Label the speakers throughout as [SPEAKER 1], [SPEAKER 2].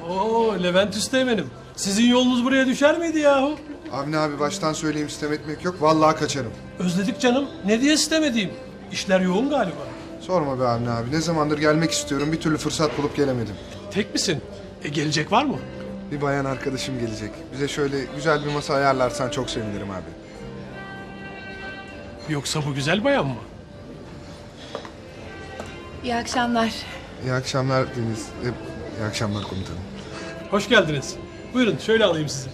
[SPEAKER 1] Oo Levent Üsteğmen'im. Sizin yolunuz buraya düşer miydi yahu?
[SPEAKER 2] Avni abi baştan söyleyeyim, sitem etmek yok. Vallahi kaçarım.
[SPEAKER 1] Özledik canım. Ne diye sitem edeyim? İşler yoğun galiba.
[SPEAKER 2] Sorma be Avni abi. Ne zamandır gelmek istiyorum. Bir türlü fırsat bulup gelemedim.
[SPEAKER 1] Tek misin? Gelecek var mı?
[SPEAKER 2] Bir bayan arkadaşım gelecek. Bize şöyle güzel bir masa ayarlarsan çok sevinirim abi.
[SPEAKER 1] Yoksa bu güzel bayan mı?
[SPEAKER 3] İyi akşamlar.
[SPEAKER 2] İyi akşamlar Deniz. İyi akşamlar komutanım.
[SPEAKER 1] Hoş geldiniz. Buyurun şöyle alayım sizi.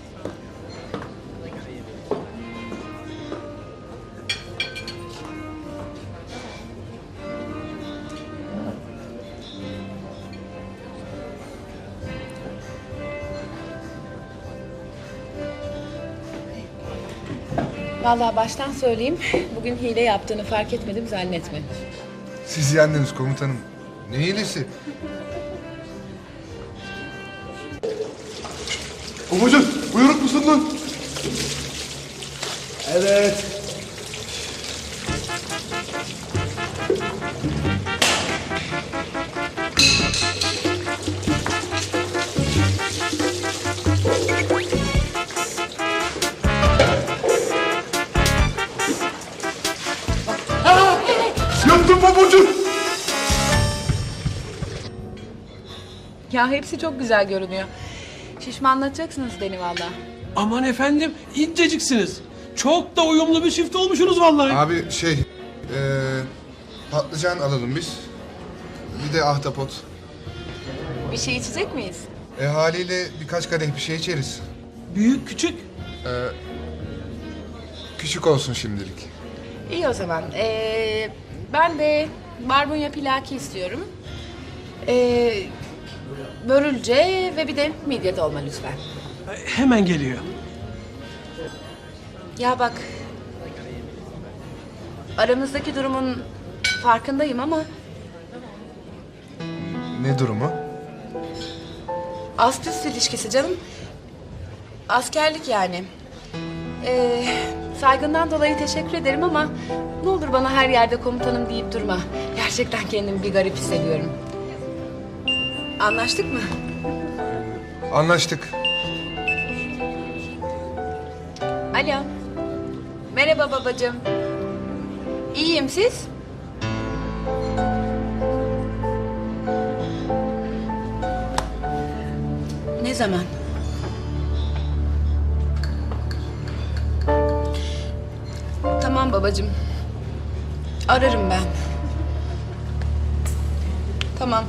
[SPEAKER 3] Vallahi baştan söyleyeyim, bugün hile yaptığını fark etmedim zannetme.
[SPEAKER 2] Siz yendiniz komutanım. Ne iyilisi? Babacığım, buyruk musun lan?
[SPEAKER 4] Evet.
[SPEAKER 2] Yaptım babacığım.
[SPEAKER 3] Ya hepsi çok güzel görünüyor. Şişmanlatacaksınız beni vallahi.
[SPEAKER 1] Aman efendim inceciksiniz. Çok da uyumlu bir çift olmuşsunuz vallahi.
[SPEAKER 2] Abi patlıcan alalım biz. Bir de ahtapot.
[SPEAKER 3] Bir şey içecek miyiz?
[SPEAKER 2] Haliyle birkaç kadeh bir şey içeriz.
[SPEAKER 1] Büyük küçük.
[SPEAKER 2] Küçük olsun şimdilik.
[SPEAKER 3] İyi o zaman. Ben de barbunya pilaki istiyorum. Börülce ve bir de midye dolma lütfen.
[SPEAKER 1] Hemen geliyor.
[SPEAKER 3] Ya bak, aramızdaki durumun farkındayım ama
[SPEAKER 2] Ne durumu?
[SPEAKER 3] ast üst ilişkisi canım. Askerlik yani. Saygından dolayı teşekkür ederim ama ne olur bana her yerde komutanım deyip durma. Gerçekten kendimi bir garip hissediyorum. Anlaştık mı?
[SPEAKER 2] Anlaştık.
[SPEAKER 3] Alo. Merhaba babacığım. İyiyim siz? Ne zaman? Tamam babacığım. Ararım ben. Tamam.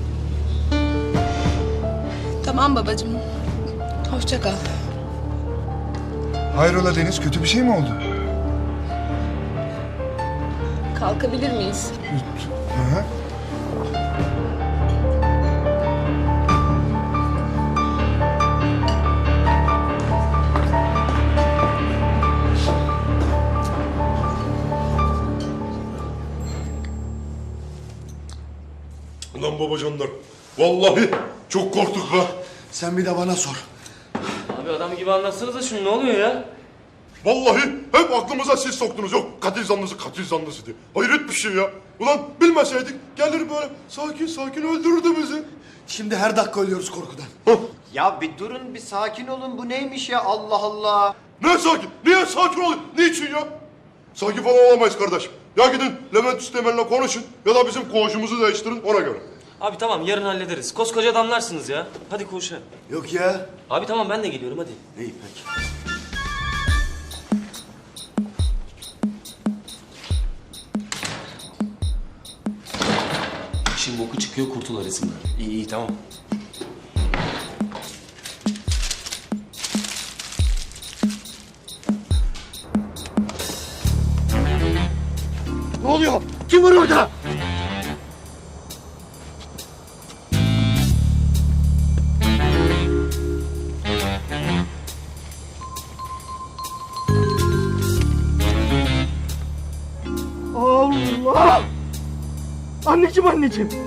[SPEAKER 3] Tamam babacığım. Hoşça kal.
[SPEAKER 2] Hayrola Deniz, kötü bir şey mi oldu?
[SPEAKER 3] Kalkabilir miyiz?
[SPEAKER 2] Hı hı.
[SPEAKER 5] Ulan babacanlar, vallahi çok korktuk be.
[SPEAKER 4] Sen bir de bana sor.
[SPEAKER 6] Abi adam gibi anlatsanıza şunu, ne oluyor ya?
[SPEAKER 5] Vallahi hep aklımıza siz soktunuz. Yok katil zanlısı diye. Hayret bir şey ya. Ulan bilmeseydik gelir böyle sakin sakin öldürürdü bizi.
[SPEAKER 4] Şimdi her dakika ölüyoruz korkudan.
[SPEAKER 7] Ya bir durun, bir sakin olun. Bu neymiş ya, Allah Allah.
[SPEAKER 5] Ne sakin? Niye sakin olun? Niçin ya? Sakin falan olamayız kardeşim. Ya gidin Levent Üsteğmen'le konuşun ya da bizim koğuşumuzu değiştirin ona göre.
[SPEAKER 6] Abi tamam, yarın hallederiz. Koskoca adamlarsınız ya. Hadi koşa.
[SPEAKER 4] Yok ya.
[SPEAKER 6] Abi tamam, ben de geliyorum, hadi.
[SPEAKER 4] İyi peki.
[SPEAKER 6] İşin boku çıkıyor, kurtul arasında. İyi iyi, tamam.
[SPEAKER 4] Ne oluyor? Kim var orada? Allah! Anneciğim.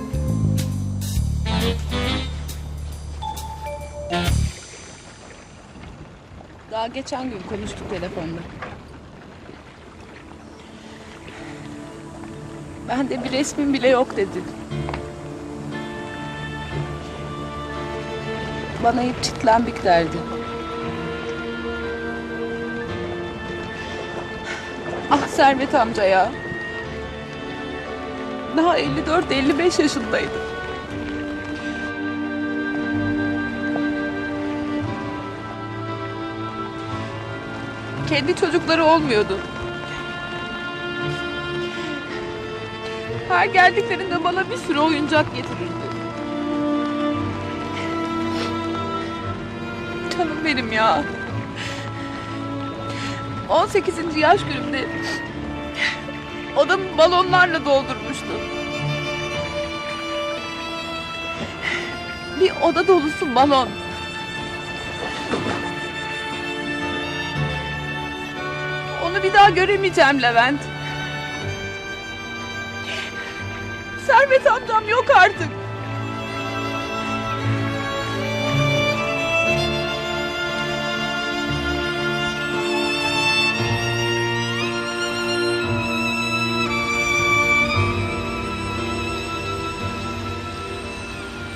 [SPEAKER 3] Daha geçen gün konuştuk telefonda. Bende bir resmin bile yok dedi.
[SPEAKER 8] bana hep çitlenbik derdi. Ah Servet amca ya. Daha 54-55 yaşındaydı. Kendi çocukları olmuyordu. Her geldiklerinde bana bir sürü oyuncak getirirdi. Canım benim ya. 18. yaş günümde odamı balonlarla doldurmuştu. Bir oda dolusu balon. Onu bir daha göremeyeceğim Levent. Servet amcam yok artık.